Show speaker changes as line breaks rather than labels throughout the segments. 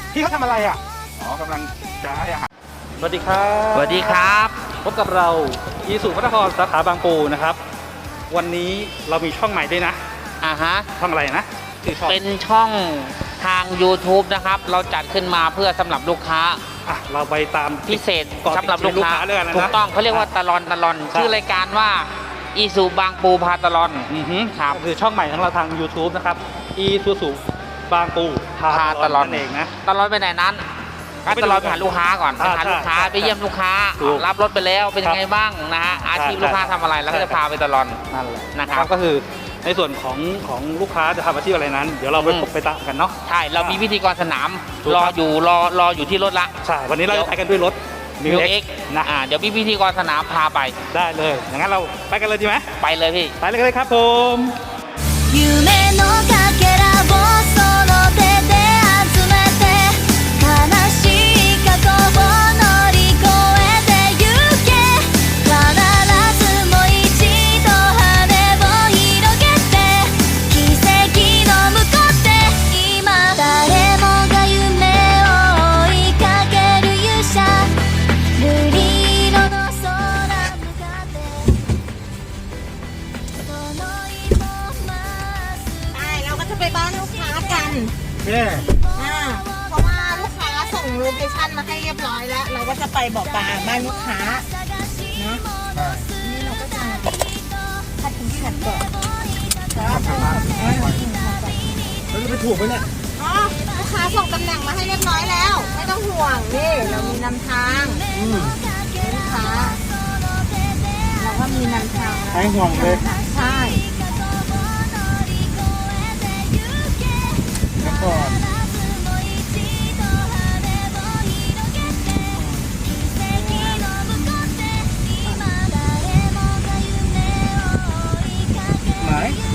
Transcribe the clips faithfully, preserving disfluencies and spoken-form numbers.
พี่เขาทำอะไรอ่ะอ๋อกำลังจะให้อาหารสวัสดีครับ
สวัสดีครับ
พบกับเราอีสุพระนครสาขาบางปูนะครับวันนี้เรามีช่องใหม่ด้วยนะ
อ่าฮะ
ช่องอะไรนะคือช่อง
เป็นช่องทาง ยูทูบ นะครับเราจัดขึ้นมาเพื่อสำหรับลูกค้า
อ่ะเราไปตาม
พิเศษสำหรับลูกค้าถูกต้องเขาเรียกว่าตลอนตลอนชื่อรายการว่าอีซูบางปูพาตลอน
อือฮึครับคือช่องใหม่ของเราทาง ยูทูบ นะครับอีซูซูบางปูพาตลอนนั่นเองนะ
ตลอนไปไหนนั้นก็ตลอดไปหาลูกค้าก่อนไปหาลูกค้าไปเยี่ยมลูกค้ารับรถไปแล้วเป็นยังไงบ้างนะฮะอาชีพลูกค้าทำอะไรแล้วก็จะพาไปตลอด
นั่นแหละ
นะครับ
ก็คือในส่วนของของลูกค้าจะทำอาชีพอะไรนั้นเดี๋ยวเราไปพบไปตามกันเนาะ
ใช่เรามีพิธีกรสนามรออยู่รอรออยู่ที่รถละ
ใช่วันนี้เราจะไปกันด้วยรถ
มิวเอ็กนะอ่าเดี๋ยวพี่พิธีกรสนามพาไป
ได้เลยอย่างนั้นเราไปกันเลยดีไหม
ไปเลยพี่
ไปเลยครับผม
อ่าเพราะว่าลูกค้าส่งโลเคชั่นมาให้เรียบร้อยแล้วเราก็จะไปบ่อปลาบ้านลูกค้าเนาะนี่เราก็จะคัดถึงขัดก่อนแล้วก็
เราจะไปถูกไหมเนี่ย
อ๋อลูกค้าส่งตำแหน่งมาให้เรียบร้อยแล้วไม่ต้องห่วงนี่เรามีนำทางลูกค้าเราก็มีนำทาง
ให้ห่วงเลย
ใช่
ก่อนไหน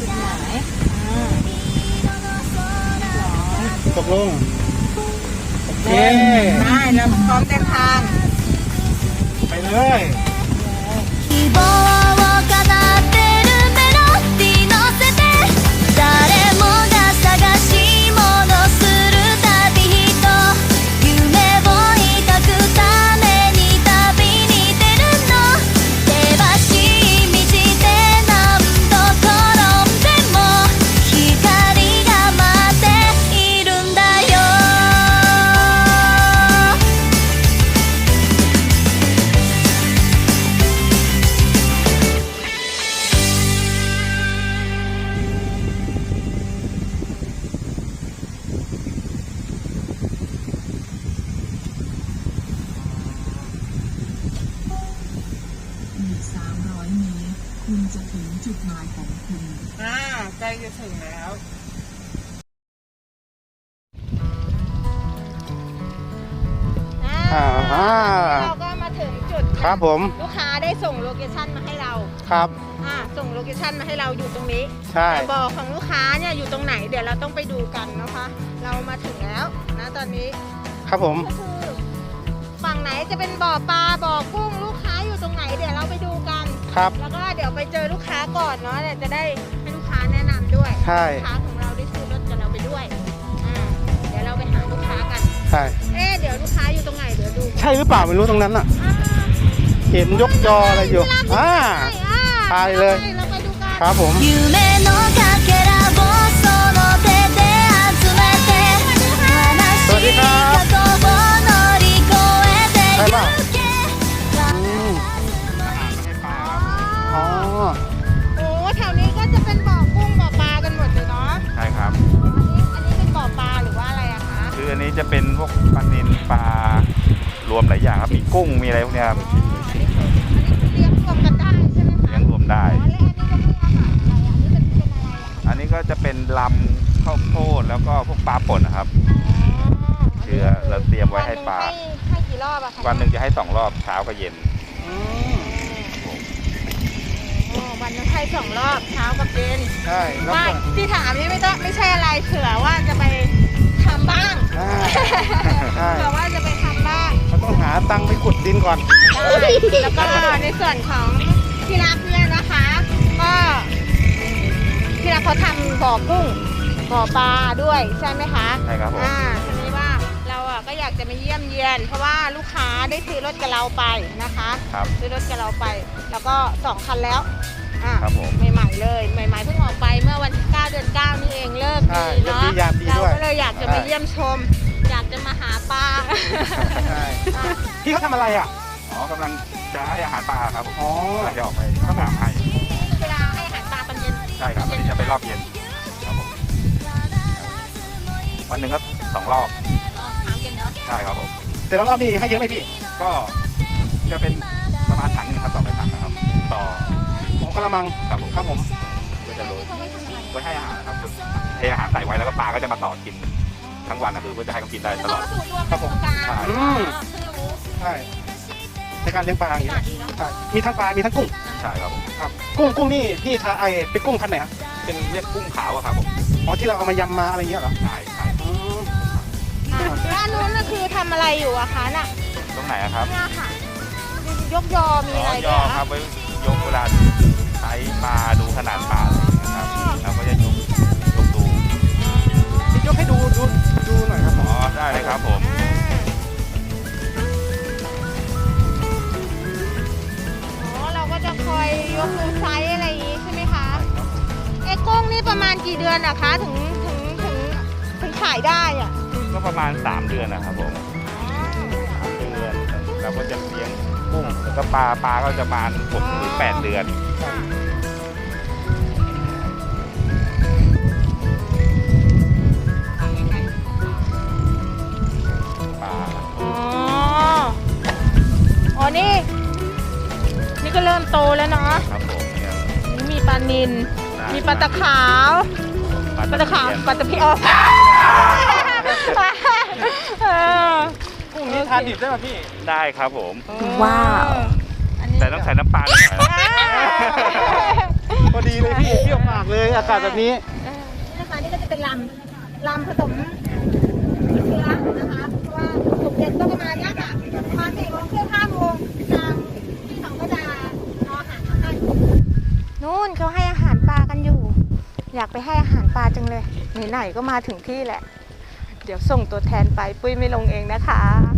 ตกลงโอเค
ได้เราพร้อมเดินทาง
ไปเลย
คุณจะถึงจุดหมายของคุณ
อ่าใกล้จะถึงแล้ว
อ่า
เราก็มาถึงจุด
ครับผม
ลูกค้าได้ส่งโลเคชั่นมาให้เรา
ครับ
อ่าส่งโลเคชั่นมาให้เราอยู่ตรงนี้
ใช่
บ่อของลูกค้าเนี่ยอยู่ตรงไหนเดี๋ยวเราต้องไปดูกันนะคะเรามาถึงแล้วนะตอนนี้
ครับผม
ก็คือฝั่งไหนจะเป็นบ่อปลาบ่อกุ้งลูกค้าอยู่ตรงไหนเดี๋ยวเราไปดูกัน
ครับ
แล้วก็เดี๋ยวไปเจอลูกค้าก่อนเนาะเดี๋ยวจะได้ให้ลูกค้าแนะนำด้วย
ใช่
ลูกค้าของเราได้ซื้อรถกับเราไปด้วยอ่าเดี๋ยวเราไปหาลูกค้ากัน
ใช่
เอ๊ะเดี๋ยวลูกค้าอยู่ตรงไหนเดี๋ยวดู
ใช่หรือเปล่าไม่รู้ตรงนั้นอ่ะเห็นยกจออะไรอยู่อ่าไปเลยครับผมสวัสดีครับใช่ป่ะอ๋อ
โอ้แถวนี้ก็จะเป็นบ่อกุ้งบ่อปลากันหมดเลยเนาะ
ใช่ครับ
อันนี้อันนี้เป็นบ่อปลาหรือว่าอะไรอะคะ
คืออันนี้จะเป็นพวกปลานิลปลารวมหลายอย่างครับมีกุ้งมีอะไรพวกนี้ครับ
อันนี้เลี้ยงรวมกันได้ใช่ไหมคะ
เลี้ยงรวมได้
อันนี้ก็เป็นอาหารอะไรอะคะอันนี้เป็นเป็นอะไรอะคะ
อันนี้ก็จะเป็นลำข้าวโพดแล้วก็พวกปลาป่นนะครับเชื้อเราเตรียมไว้ให้ปลา
ให้กี่รอบอะคะ
วันหนึ่งจะให้สองรอบเช้ากับเย็น
วันนึงให้สองรอบเช้ากับเย็น
ใช่
ไม่ที่ถามนี่ไม่ต้องไม่ใช่อะไรเผื่อว่าจะไปทำบ้างเผื่อว่าจะไปทำบ้าง
เราต้องหาตังค์ไปขุดดินก่อน
แล้วก็ในส่วนของที่รักเนี่ยนะคะก็ที่รักเขาทำบ่อกุ้งบ่อปลาด้วยใช่ไหมคะ
ใช่ครับผม
อ่าทีนี้ว่าเราากจะมาเยี่ยมเยียน เพราะว่าลูกค้าได้ซื้อรถกับเราไปนะคะ
ครับ
ซื้อรถกับเราไป แล้วก็สองคันแล้วอ่ะ
ครับผม
ใหม่ๆเลยใหม่ๆเพิ่งออกไปเมื่อวันที่เก้าเดือนเก้านี่เองเลิก
ใช่
ดีเนาะ
เลิกดียามดี
เรา
ด้วย
ก็เลยอยากจะมาเยี่ยมชม อยากจะมาหาปลา
ใช่พี่เขาทำอะไรอ่ะ
อ๋อกำลังจะให้อาหารปลาครับผม
อ๋อก
ำลังจะออกไปข้างหลังให้
เวลาให้อาหารปลาตอนเย็น
ใช่ครับวันนี้จะไปรอบเย็นครับผมวันหนึ่งก็สองรอบ
อ๋อถามกันเนาะ
ใช่ครับผม
แต่รอบนี้ให้เยอะไหมพี่
ก็จะเป็นประมาณถังหนึงครับต่อไปถังนะครับ ต่อ
ของกระมัง
ครับผม
ครับผม
ก็จะโรย
เขาไม่ทำอะไร
ไว้ให้อาหารนะครับเทอาหารใส่ไว้แล้วก็ปลาก็จะมาต่อกินทั้งวันนะคือเพื่อจะให้เขากินได้ตลอด
สูตรรวมของกลาง
ใช่
อืม
อ๋อเพิ่งรู้
ใช่ในการเลี้ยงปลาอย่างนี้
ตา
นะ
ดีเนาะ
ใช่มีทั้งปลา มีทั้งกุ้ง
ใช่ครับผม
ครับ กุ้งกุ้งนี่พี่ทาไอเป็นกุ้งพันธุ์ไหนครับ
เป็นเรียกกุ้งขาวอะครับผม
อ๋อที่เราเอามายำมาอะไรอย่างเงี้ยเหรอ
ใช่ใช่
อืม
อ่ะแล้วอันนู้นน่ะคือทำอะไรอยู่อะคะน่ะ
ตรงไหนอะครับ
เนี่ยค่ะยกยอมี
อ๋
อะไร
อย
ด้
อ
วย
ค
อะ
รับไว้ยกเวลาใช้ปลาดูขนาดปลาอะไรอย่างเงี้ยครับแล้วก็จะยกยกดู
พี่ยกให้ดูดูดูหน่อยครับ
อ๋อได้เลยครับผม
อ๋อเราก็จะคอยยกดูไซส์อะไรอย่างงี้ใช่ไหมคะไอ้กุ้งนี่ประมาณกี่เดือนอะคะถึงถึงถึงถึงขายได้อะ
ก็ประมาณสามเดือนนะครับผมสามเดือนเราก็จะเลี้ยงกุ้งแล้วก็ปลาปลาก็จะประมาณหกถึงแปดเดือน ปลา
อ๋ออ๋อนี่ นี่ก็เริ่มโตแล้วเนาะ
ครับผมเนี่ย
นี่มีปลานิลมีปลาตะขาว
ปลา
ปลา
ตะ
ตะ
เพี
ขาว
ยน
ปลาตะเพียนอ๋อเออ
กุ้งนี้ทานดิบได้ป่ะพี่
ได้ครับผม
ว้าวอันนี้
แต่ต้องใส่น้ำปลาหน่อยนะ
พอดีเลยพี่เที่ยวปากเลยอากาศแบบนี้
เออนี่นะคะนี่ก็จะเป็นลำลำผสมเชื้อนะคะเพราะว่าสุกเย็นก็ประมาณเนี้ยค่ะประมาณสี่โมงครึ่งห้าโมงทางที่เขาก็จะรออาหารมาให้นู่นเขาให้อาหารปลากันอยู่ อยากไปให้อาหารปลาจังเลยไหนๆก็มาถึงที่แหละ เดี๋ยวส่งตัวแทนไปปุ้ยไม่ลงเองนะคะ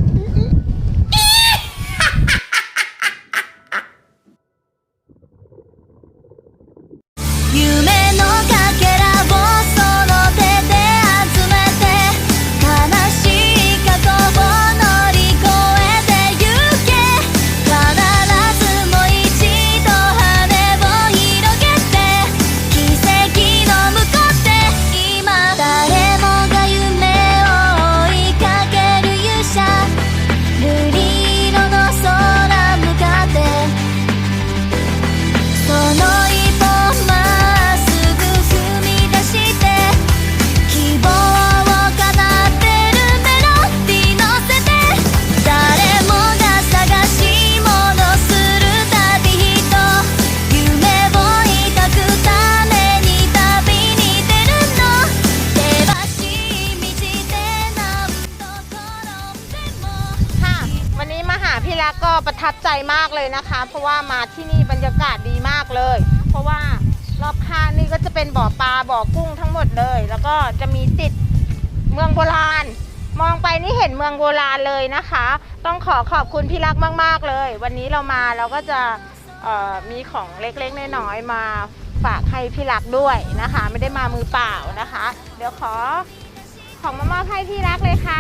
夢のかけらをその手で集めて悲しい過去を乗り越えてゆけ必ずもう一度羽を広げて奇跡の向こうで今誰もが夢を追いかける勇者瑠璃色の空向かってその一歩まっすぐ踏み出して希望を叶ってるメロディー乗せて誰もが探し物する旅人夢を抱くために旅に出るの険しい道で何度転んでも
ค่ะ วันนี้มาหาพี่รักก็ประทับใจมากเลยนะคะ เพราะว่ามาที่นี่บรรยากาศดีมากเลย เพราะว่ารอบข้างนี่ก็จะเป็นบ่อปลาบ่อกุ้งทั้งหมดเลย แล้วก็จะมีติดเมืองโบราณ มองไปนี่เห็นเมืองโบราณเลยนะคะ ต้องขอขอบคุณพี่รักมากๆเลย วันนี้เรามาเราก็จะเอ่อมีของเล็กๆน้อยๆมาฝากให้พี่รักด้วยนะคะ ไม่ได้มามือเปล่านะคะ เดี๋ยวขอของมามอบให้พี่รักเลยค่ะ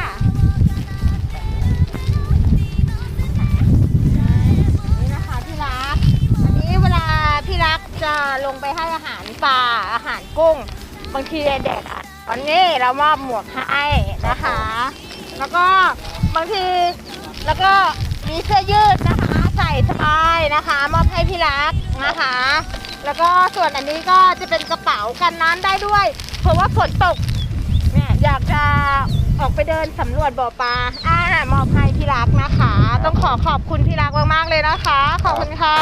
นี่นะคะพี่รัก อันนี้เวลาพี่รักจะลงไปให้อาหารปลาอาหารกุ้ง บางทีแดดอ่ะวันนี้เรามอบหมวกให้นะคะ แล้วก็บางทีแล้วก็มีเสื้อยืดนะคะใส่สบายนะคะมอบให้พี่รักนะคะ แล้วก็ส่วนอันนี้ก็จะเป็นกระเป๋ากันน้ำได้ด้วย เพราะว่าฝนตกเนี่ยอยากจะออกไปเดินสำรวจบ่อปลาอ่ามอบให้พี่รักนะคะ ต้องขอขอบคุณพี่รักมากๆเลยนะคะ ขอบคุณค่ะ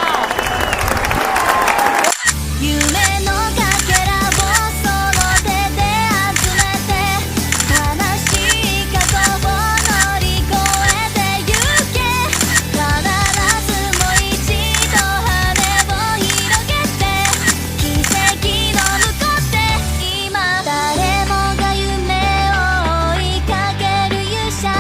夢のかけらをその手で集めて悲しい過去を乗り越えてゆけ必ずもう一度羽を広げて奇跡の向こうで今誰もが夢を追いかける勇者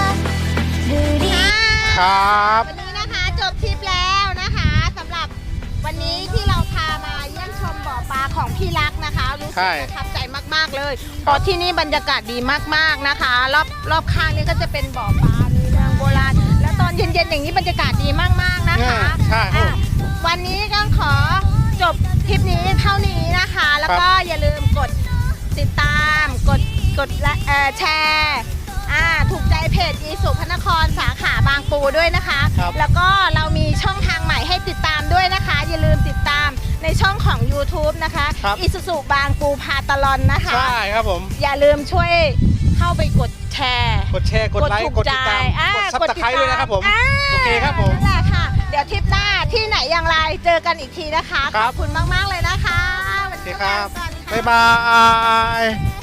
ครับ
วันนี้นะคะจบทริปแล้วนะคะสำหรับวันนี้ที่เราพามาเยี่ยมชมบ่อปลาของพี่รักนะคะรู้สึกประทับใจมากๆเลยเพราะที่นี่บรรยากาศดีมากๆนะคะรอบรอบข้างนี่ก็จะเป็นบ่อปลามีเมืองโบราณแล้วตอนเย็นๆอย่างนี้บรรยากาศดีมากๆนะคะ
ใช่ครับ
อ่ะวันนี้ก็ขอจบคลิปนี้เท่านี้นะคะ แล้วก็อย่าลืมกดติดตามกดกดและเอ่อแชร์อ่าถูกใจเพจอีสุพระนครสาขาบางปูด้วยนะคะ
ครับ
แล้วก็เรามีช่องทางใหม่ให้ติดตามด้วยนะคะ อย่าลืมติดตามในช่องของ YouTube นะคะ
ครับ
อีสุสุบางปูพาตลอนนะคะ
ใช่ครับผม
อย่าลืมช่วยเข้าไปกดแชร์
กดแชร์กดไลค์กดติดตาม
อ่
กดซับสไครต์ด้วยนะครับผม
อ่า
โอเคครับผม
นั่นแหละค่ะ เดี๋ยวทริปหน้าที่ไหนอย่างไรเจอกันอีกทีนะคะ
ครั
ข
บ
อบคุณมากๆเลยนะคะ
โอเคครับ
วันนี้
บ๊ายบาย